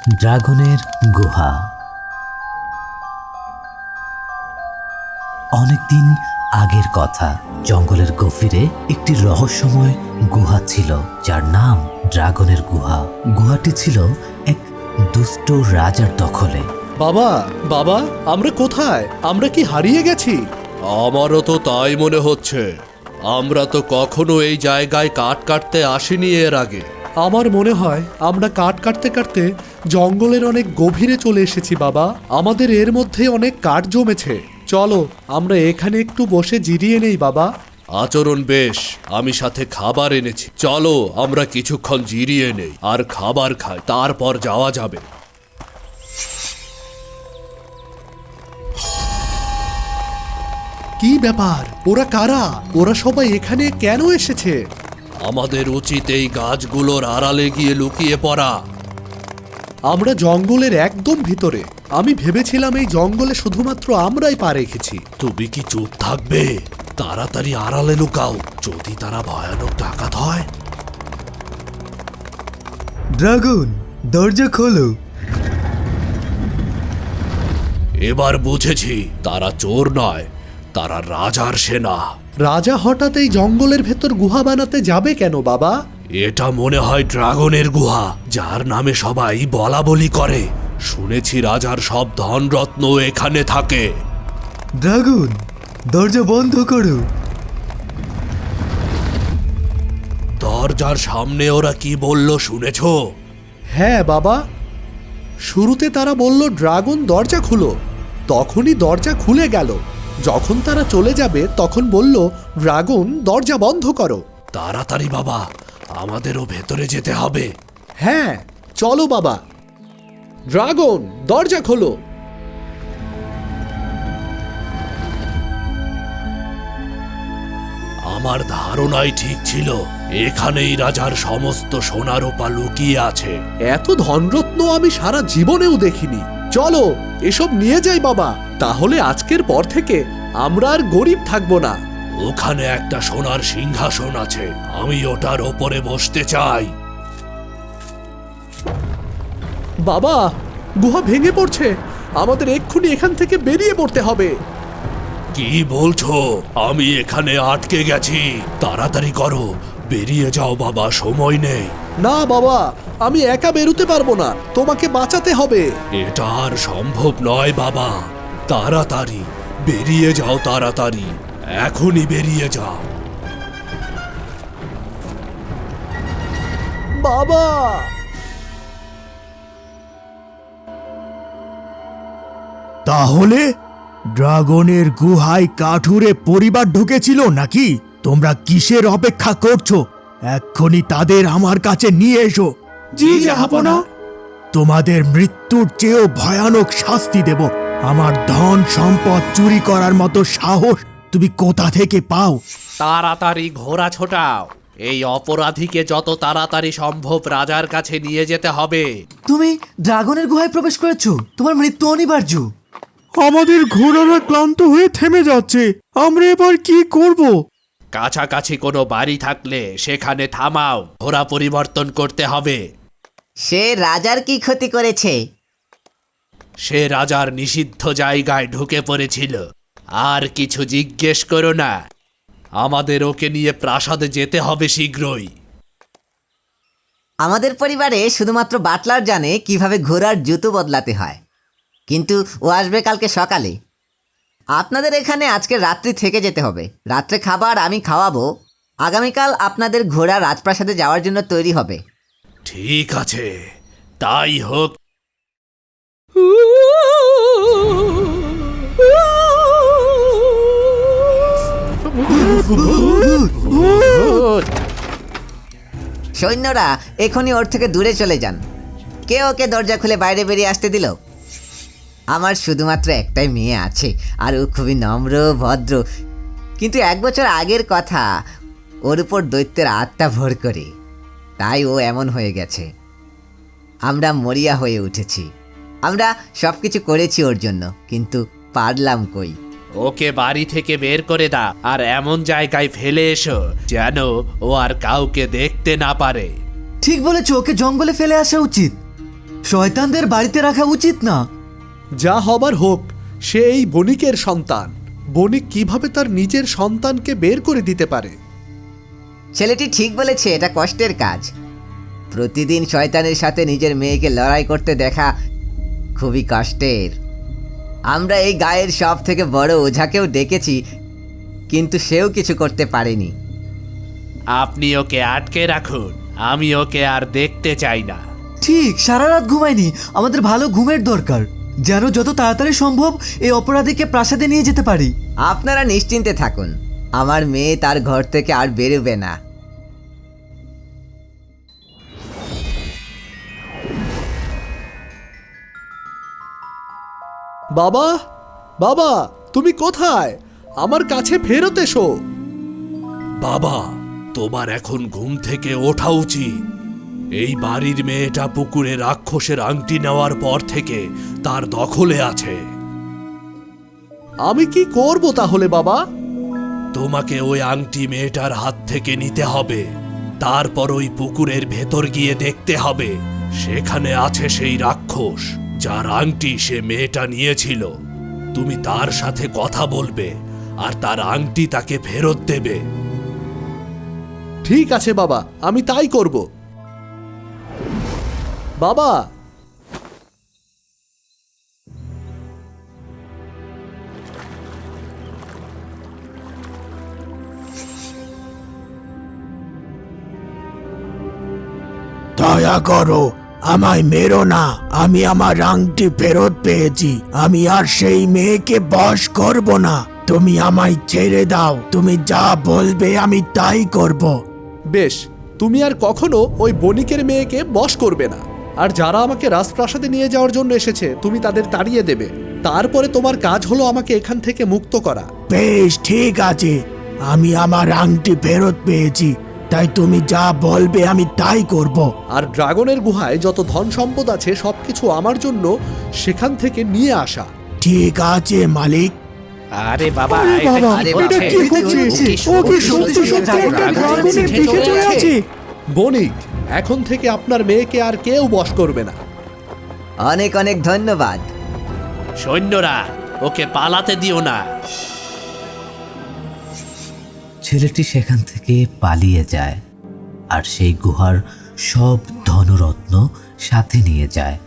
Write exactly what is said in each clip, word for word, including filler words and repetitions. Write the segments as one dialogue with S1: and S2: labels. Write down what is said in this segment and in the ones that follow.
S1: ড্রাগনের গুহা। অনেকদিন আগের কথা, জঙ্গলের গভীরে একটি রহস্যময় গুহা ছিল, যার নাম ড্রাগনের গুহা। গুহাটি ছিল এক দুষ্ট রাজার দখলে।
S2: বাবা বাবা আমরা কোথায়? আমরা কি হারিয়ে গেছি? আমারও তো তাই মনে হচ্ছে। আমরা তো কখনো এই জায়গায় কাঠ কাটতে আসিনি এর আগে। আমার মনে হয় আমরা কাঠ কাটতে কাটতে জঙ্গলের অনেক গভীরে চলে এসেছি বাবা। আমাদের এর মধ্যে অনেক কাঠ জমেছে। চলো আমরা এখানে একটু বসে জিরিয়ে নেই বাবা। আচরণ বেশ, আমি সাথে খাবার এনেছি। চলো আমরা কিছুক্ষণ জিরিয়ে নেই আর খাবার খাই, তারপর যাওয়া যাবে। কি ব্যাপার? ওরা কারা? ওরা সবাই এখানে কেন এসেছে? আমাদের উচিত এই গাছগুলোর আড়ালে গিয়ে লুকিয়ে পড়া। আমরা জঙ্গলের একদম ভিতরে। আমি ভেবেছিলাম এই জঙ্গলে শুধুমাত্র আমরাই পা রেখেছি। তুমি কি চুপ থাকবে? তাড়াতাড়ি আড়ালে লুকাও, যদি তারা ভয়ানক ডাকাত হয়।
S3: ড্রাগন, দরজা খোলো।
S2: এবার বুঝেছি, তারা চোর নয়, তারা রাজার সেনা। রাজা হঠাৎ এই জঙ্গলের ভেতর গুহা বানাতে যাবে কেন বাবা? এটা মনে হয় ড্রাগনের গুহা, যার নামে সবাই বলা বলি করে। শুনেছি রাজার সব ধনরত্ন এখানে থাকে।
S3: ড্রাগন, দরজা বন্ধ করো।
S2: দরজার সামনে ওরা কি বলল শুনেছ? হ্যাঁ বাবা, শুরুতে তারা বলল ড্রাগন দরজা খুলো, তখনই দরজা খুলে গেল। যখন তারা চলে যাবে তখন বলল ড্রাগন দরজা বন্ধ করো। তাড়াতাড়ি বাবা, আমাদেরও ভেতরে যেতে হবে। হ্যাঁ চলো বাবা। ড্রাগন দরজা খোলো। আমার ধারণাই ঠিক ছিল, এখানেই রাজার সমস্ত সোনা রূপা লুকিয়ে আছে। এত ধনরত্ন আমি সারা জীবনেও দেখিনি। চলো এসব নিয়ে যাই বাবা, তাহলে আজকের পর থেকে আমরা আর গরিব থাকবো না। ওখানে একটা সোনার সিংহাসন আছে, আমি ওটার ওপরে বসতে চাই। বাবা, গুহা ভেঙে পড়ছে, আমাদের এক্ষুনি এখান থেকে বেরিয়ে পড়তে হবে। কি বলছো? আমি এখানে আটকে গেছি, তাড়াতাড়ি করো, বেরিয়ে যাও বাবা, সময় নেই। না বাবা, আমি একা বেরোতে পারবো না, তোমাকে বাঁচাতে হবে। এটা আর সম্ভব নয় বাবা, তাড়াতাড়ি বেরিয়ে যাও, তাড়াতাড়ি এখনই বেরিয়ে যাও। বাবা!
S4: তাহলে ড্রাগনের গুহায় কাঠুরে পরিবার ঢুকেছিল নাকি? তোমরা কিসের অপেক্ষা করছো? এক্ষুনি তাদের আমার কাছে নিয়ে এসো।
S3: জি জাহাপনা।
S4: তোমাদের মৃত্যুর চেয়েও ভয়ানক শাস্তি দেব। আমার ধন সম্পদ চুরি করার মতো সাহস তুমি কোথা থেকে পাও?
S2: তাড়াতাড়ি ঘোড়া ছোটাও, এই অপরাধীকে যত তাড়াতাড়ি সম্ভব রাজার কাছে নিয়ে যেতে হবে।
S3: তুমি ড্রাগনের গুহায় প্রবেশ করেছো, তোমার মৃত্যু অনিবার্য।
S4: আমাদের ঘোড়ারা ক্লান্ত হয়ে থেমে যাচ্ছে, আমরা এবার কি করব?
S2: কাছাকাছি কোনো বাড়ি থাকলে সেখানে থামাও, ঘোড়া পরিবর্তন করতে হবে।
S5: সে রাজার কি ক্ষতি করেছে?
S2: সে রাজার নিষিদ্ধ জায়গায় ঢুকে পড়েছিল। আর কিছু জিজ্ঞেস করো না, আমাদের ওকে নিয়ে প্রাসাদে যেতে হবে শীঘ্রই।
S5: আমাদের পরিবারে শুধুমাত্র বাটলার জানে কিভাবে ঘোড়ার জুতো বদলাতে হয়, কিন্তু ও আসবে কালকে সকালে। আপনাদের এখানে আজকে রাত্রি থেকে যেতে হবে। রাত্রে খাবার আমি খাওয়াবো। আগামীকাল আপনাদের ঘোড়া রাজপ্রাসাদে যাওয়ার জন্য তৈরি হবে।
S2: ঠিক আছে, তাই হোক।
S5: সৈন্যরা এখনই ওর থেকে দূরে চলে যান। কে ওকে দরজা খুলে বাইরে বেরিয়ে আসতে দিল? আমার শুধুমাত্র একটাই মেয়ে আছে, আর ও খুবই নম্র ভদ্র, কিন্তু এক বছর আগের কথা, ওর উপর দৈত্যের আত্মা ভর করে, তাই ও এমন হয়ে গেছে। আমরা মরিয়া হয়ে উঠেছি, আমরা সব কিছু করেছি ওর জন্য, কিন্তু পারলাম কই।
S2: ওকে বাড়ি থেকে বের করে দাও আর এমন জায়গায় ফেলে এসো যেন ও আর কাউকে দেখতে না পারে।
S3: ঠিক বলেছো, ওকে জঙ্গলে ফেলে আসা উচিত। শয়তানদের বাড়িতে রাখা উচিত না।
S2: যা হবার হোক, সে এই বণিকের সন্তান। বণিক কিভাবে তার নিজের সন্তানকে বের করে দিতে পারে?
S5: ছেলেটি ঠিক বলেছে, এটা কষ্টের কাজ। প্রতিদিন শয়তানের সাথে নিজের মেয়েকে লড়াই করতে দেখা খুবই কষ্টের। আমরা এই গায়ের সব থেকে বড় ওঝাকেও ডেকেছি, কিন্তু সেও কিছু করতে পারেনি।
S6: আপনি ওকে আটকে রাখুন, আমি ওকে আর দেখতে চাই না।
S3: ঠিক, সারা রাত ঘুমাইনি। আমাদের ভালো ঘুমের দরকার, যেন যত তাড়াতাড়ি সম্ভব এই অপরাধীকে প্রাসাদে নিয়ে যেতে পারি।
S5: আপনারা নিশ্চিন্তে থাকুন, আমার মেয়ে তার ঘর থেকে আর বেরোবে না।
S2: বাবা, বাবা, তুমি কোথায়? আমার কাছে ফেরত এসো। বাবা, তোমার এখন ঘুম থেকে ওঠা উচিত। এই বাড়ির মেয়েটা পুকুরে রাক্ষসের আংটি নেওয়ার পর থেকে তার দখলে আছে। আমি কি করব তাহলে বাবা? তোমাকে ওই আংটি মেয়েটার হাত থেকে নিতে হবে। তারপর ওই পুকুরের ভেতর গিয়ে দেখতে হবে সেখানে আছে সেই রাক্ষস যার আংটি সে মেয়েটা নিয়েছিল। তুমি তার সাথে কথা বলবে আর তার আংটি তাকে ফেরত দেবে। ঠিক আছে বাবা, আমি তাই করব। বাবা,
S4: দয়া করো, আমায় মেরো না। আমি আমার আংটি ফেরত পেয়েছি। আমি আর সেই মেয়েকে বশ করব না। তুমি আমায় ছেড়ে দাও। তুমি যা বলবে আমি তাই করব।
S2: বেশ, তুমি আর কখনো ওই বণিকের মেয়েকে বশ করবে না। আর যারা আমাকে রাজপ্রাসাদে নিয়ে যাওয়ার জন্য এসেছে, তুমি তাদের তাড়িয়ে দেবে। তারপরে তোমার কাজ হলো আমাকে এখান থেকে মুক্ত করা।
S4: বেশ, ঠিক আছে। আমি আমার আংটি ফেরত পেয়েছি, তাই তুমি যা বলবে আমি তাই করব।
S2: আর ড্রাগনের গুহায় যত ধন সম্পদ আছে সবকিছু আমার জন্য সেখান থেকে নিয়ে আসা।
S4: ঠিক আছে মালিক।
S6: আরে বাবা,
S4: আরে
S6: এটা
S4: বাবা,
S6: কি
S5: এটা
S6: হচ্ছে?
S5: কি
S3: হচ্ছে?
S6: ও
S4: ও কি
S6: সত্যি
S4: সত্যি সত্যি
S6: সত্যি
S4: একটা
S6: ড্রাগনের
S4: ড্রাগনের
S6: পিঠে
S4: পিঠে
S6: চড়ে
S4: চড়ে
S6: আছে?
S4: আছে?
S2: বণিক, এখন থেকে আপনার মেয়েকে আর কেউ বশ করবে না।
S5: অনেক অনেক ধন্যবাদ।
S6: সৈন্যরা, ওকে পালাতে দিও না।
S1: ছেলেটি সেখান থেকে পালিয়ে যায় আর সেই গুহার সব ধনরত্ন সাথে নিয়ে যায়।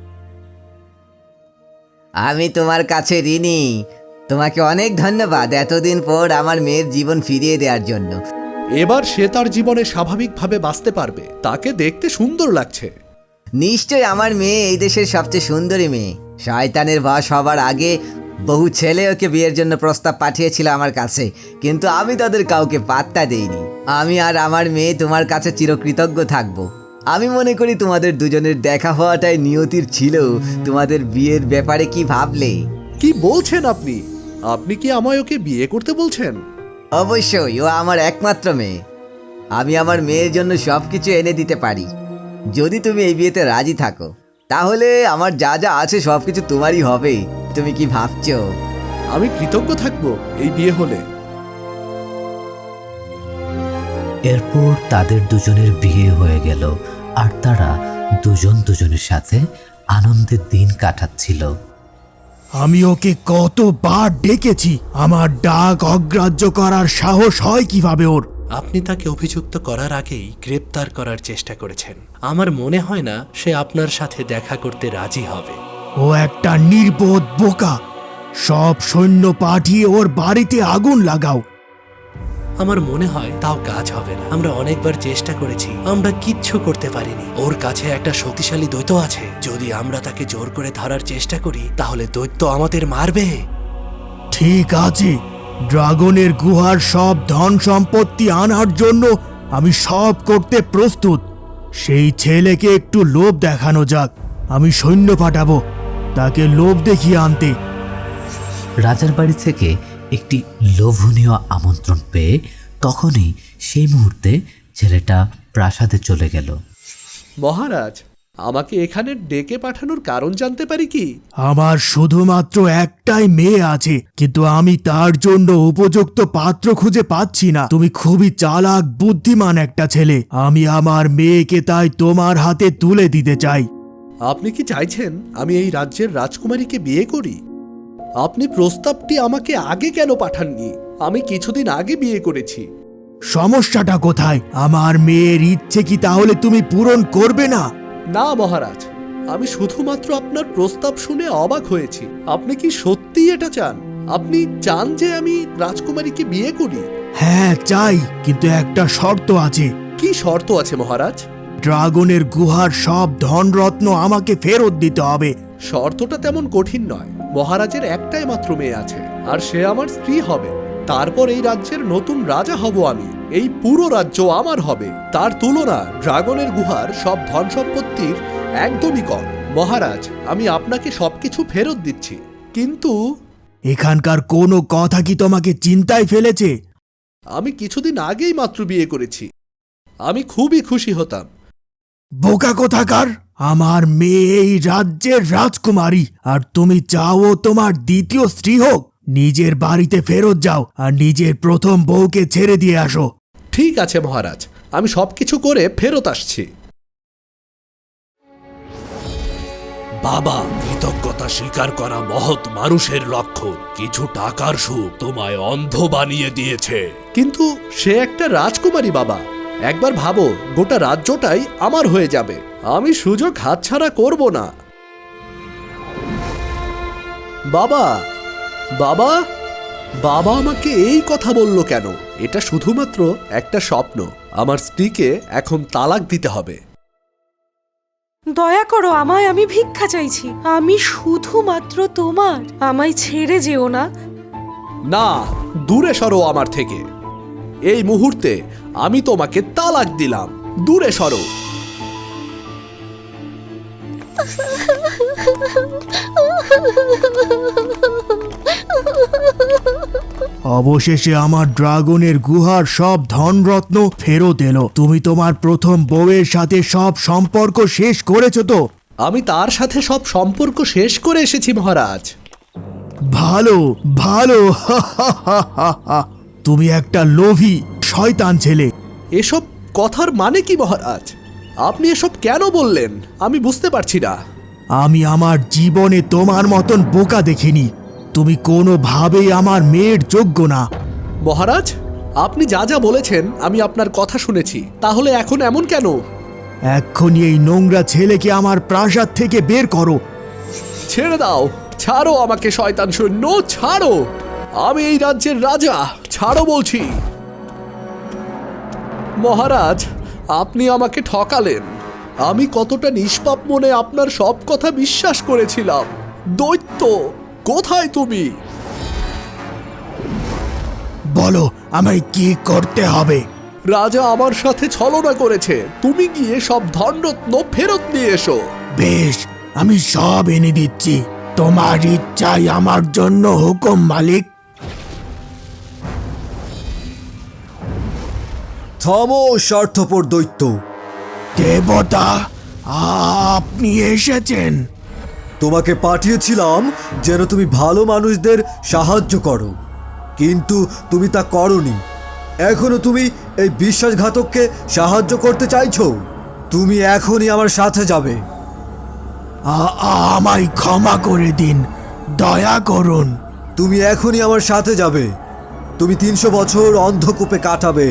S5: আমি তোমার কাছে ঋণী। তোমাকে অনেক ধন্যবাদ এতদিন পর আমার মেয়ের জীবন ফিরিয়ে দেওয়ার জন্য।
S2: এবার সে তার জীবনে স্বাভাবিকভাবে বাঁচতে পারবে। তাকে দেখতে সুন্দর লাগছে।
S5: নিশ্চয় আমার মেয়ে এই দেশের সবচেয়ে সুন্দরী মেয়ে। শয়তানের বশ হবার আগে বহু ছেলে ওকে বিয়ের জন্য প্রস্তাব পাঠিয়েছিল আমার কাছে, কিন্তু আমি তাদের কাউকে পাত্তা দেইনি। আমি আর আমার মেয়ে তোমার কাছে চিরকৃতজ্ঞ থাকব। আমি মনে করি তোমাদের দুজনের দেখা হওয়াটাই নিয়তির ছিল। তোমাদের বিয়ের ব্যাপারে কি ভাবলে?
S2: কি বলছেন আপনি? আপনি কি আমায় ওকে বিয়ে করতে বলছেন?
S5: অবশ্যই, ও আমার একমাত্র মেয়ে। আমি আমার মেয়ের জন্য সব কিছু এনে দিতে পারি। যদি তুমি এই বিয়েতে রাজি থাকো, তাহলে আমার যা যা আছে সব কিছু তোমারই হবে। তুমি কি ভাবছো?
S2: আমি কৃতজ্ঞ থাকব এই বিয়ে হলে।
S1: এরপর তাদের দুজনের বিয়ে হয়ে গেল আর তারা দুজন দুজনের সাথে আনন্দের দিন কাটাচ্ছিল।
S4: আমি ওকে কতবার ডেকেছি, আমার ডাক অগ্রাহ্য করার সাহস হয় কিভাবে ওর?
S7: আপনি তাকে অভিযুক্ত করার আগেই গ্রেপ্তার করার চেষ্টা করেছেন। আমার মনে হয় না সে আপনার সাথে দেখা করতে রাজি হবে।
S4: ও একটা নির্বোধ বোকা। সব সৈন্য পাঠিয়ে ওর বাড়িতে আগুন লাগাও।
S7: আমার মনে হয় তাও কাজ হবে না। আমরা অনেকবার চেষ্টা করেছি, আমরা কিচ্ছু করতে পারিনি। ওর কাছে একটা শক্তিশালী দৈত্য আছে। যদি আমরা তাকে জোর করে ধরার চেষ্টা করি, তাহলে দৈত্য আমাদের মারবে।
S4: ঠিক আছে, ড্রাগনের গুহার সব ধন সম্পত্তি আনার জন্য আমি সব করতে প্রস্তুত। সেই ছেলেকে একটু লোভ দেখানো যাক। আমি সৈন্য পাঠাবো তাকে লোভ দেখিয়ে আনতে।
S1: রাজার বাড়ি থেকে একটি লোভনীয় আমন্ত্রণ পেয়ে তখনই সেই মুহূর্তে ছেলেটা প্রাসাদে চলে গেল।
S2: মহারাজ, আমাকে এখানে ডেকে পাঠানোর কারণ জানতে পারি কি?
S4: আমার শুধুমাত্র একটাই মেয়ে আছে, কিন্তু আমি তার জন্য উপযুক্ত পাত্র খুঁজে পাচ্ছি না। তুমি খুবই চালাক বুদ্ধিমান একটা ছেলে। আমি আমার মেয়েকে তাই তোমার হাতে তুলে দিতে চাই।
S2: আপনি কি চাইছেন আমি এই রাজ্যের রাজকুমারীকে বিয়ে করি? আপনি প্রস্তাবটি আমাকে আগে কেন পাঠাননি? আমি কিছুদিন আগে বিয়ে করেছি।
S4: সমস্যাটা কোথায়? আমার মেয়ের ইচ্ছে কি তাহলে তুমি পূরণ করবে না?
S2: না মহারাজ, আমি শুধুমাত্র আপনার প্রস্তাব শুনে অবাক হয়েছি। আপনি কি সত্যি এটা চান? আপনি চান যে আমি রাজকুমারীকে বিয়ে করি?
S4: হ্যাঁ চাই, কিন্তু একটা শর্ত আছে।
S2: কি শর্ত আছে মহারাজ?
S4: ড্রাগনের গুহার সব ধনরত্ন আমাকে ফেরত দিতে হবে।
S2: শর্তটা তেমন কঠিন নয়। মহারাজের একটাই মাত্র মেয়ে আছে, আর সে আমার স্ত্রী হবে। তারপর এই রাজ্যের নতুন রাজা হব আমি। এই পুরো রাজ্য আমার হবে। তার তুলনা ড্রাগনের গুহার সব ধন সম্পত্তির একদমই কম। মহারাজ, আমি আপনাকে সবকিছু ফেরত দিচ্ছি, কিন্তু
S4: এখানকার কোনো কথা কি তোমাকে চিন্তায় ফেলেছে?
S2: আমি কিছুদিন আগেই মাত্র বিয়ে করেছি। আমি খুবই খুশি হতাম।
S4: বোকা কোথাকার! আমার মেয়ে এই রাজ্যের রাজকুমারী, আর তুমি চাও তোমার দ্বিতীয় স্ত্রী হোক? নিজের বাড়িতে ফেরত যাও আর নিজের প্রথম বউকে ছেড়ে দিয়ে আসো।
S2: ঠিক আছে মহারাজ, আমি সবকিছু করে ফেরত আসছি।
S7: বাবা, কৃতজ্ঞতা স্বীকার করা মহৎ মানুষের লক্ষণ। কিছু টাকার সুখ তোমায় অন্ধ বানিয়ে দিয়েছে।
S2: কিন্তু সে একটা রাজকুমারী বাবা। একবার ভাবো, গোটা রাজ্যটাই আমার হয়ে যাবে। আমি সুযোগ হাতছাড়া করব না। বাবা, বাবা, বাবা আমাকে এই কথা বলল কেন? এটা শুধুমাত্র একটা স্বপ্ন। আমার স্ত্রীকে এখন তালাক দিতে হবে।
S8: দয়া করো আমায়, আমি ভিক্ষা চাইছি। আমি শুধুমাত্র তোমার, আমায় ছেড়ে যেও না।
S2: না, দূরে সরো আমার থেকে। এই মুহূর্তে আমি তোমাকে তালাক দিলাম। দূরে সরো।
S4: অবশেষে আমার ড্রাগনের গুহার সব ধনরত্ন ফেরত এলো। তুমি তোমার প্রথম বউয়ের সাথে সব সম্পর্ক শেষ করেছো তো?
S2: আমি তার সাথে সব সম্পর্ক শেষ করে এসেছি মহারাজ।
S4: ভালো ভালো তুমি একটা লোভী শয়তান ছেলে।
S2: এসব কথার মানে কি মহারাজ? আপনি এসব কেন বললেন আমি বুঝতে পারছি না।
S4: আমি আমার জীবনে তোমার মতন বোকা দেখিনি। তুমি কোনোভাবেই আমার মেয়ের যোগ্য না।
S2: মহারাজ, আপনি যা যা বলেছেন আমি আপনার কথা শুনেছি। তাহলে এখন এমন কেন?
S4: এক্ষুনি এই নোংরা ছেলেকে আমার প্রাসাদ থেকে বের করো।
S2: ছেড়ে দাও, ছাড়ো আমাকে শয়তান সৈন্য, ছাড়ো। আমি এই রাজ্যের রাজা, ছাড়ো বলছি। মহারাজ, আপনি আমাকে ঠকালেন। আমি কতটা নিষ্পাপ মনে আপনার সব কথা বিশ্বাস করেছিলাম। দৈত্য, কোথায় তুমি?
S4: বলো আমায় কি করতে হবে?
S2: রাজা আমার সাথে ছলনা করেছে। তুমি গিয়ে সব ধনরত্ন ফেরত নিয়ে এসো।
S4: বেশ, আমি সব এনে দিচ্ছি। তোমার ইচ্ছাই আমার জন্য হুকুম, মালিক।
S3: থামো স্বার্থপর দৈত্য!
S4: দেবতা, আপনি এসেছেন।
S3: তোমাকে পাঠিয়েছিলাম যেন তুমি ভালো মানুষদের সাহায্য করো, কিন্তু তুমি তা করনি। এখনো তুমি এই বিশ্বাসঘাতককে সাহায্য করতে চাইছো? তুমি এখনই আমার সাথে যাবে।
S4: আ- আমায় ক্ষমা করে দিন, দয়া করুন।
S3: তুমি এখনই আমার সাথে যাবে। তুমি তিনশো বছর অন্ধকূপে কাটাবে।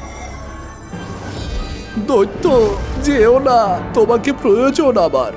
S2: দৈত্য, যেও না, তোমাকে প্রয়োজন আমার।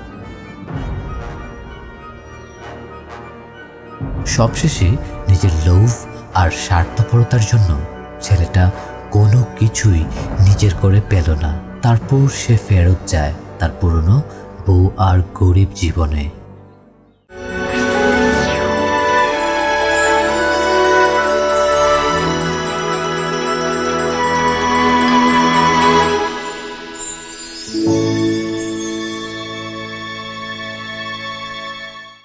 S1: সবশেষে নিজের লোভ আর স্বার্থপরতার জন্য ছেলেটা কোনো কিছুই নিজের করে পেল না। তারপর সে ফেরত যায় তার পুরনো বউ আর গরিব জীবনে।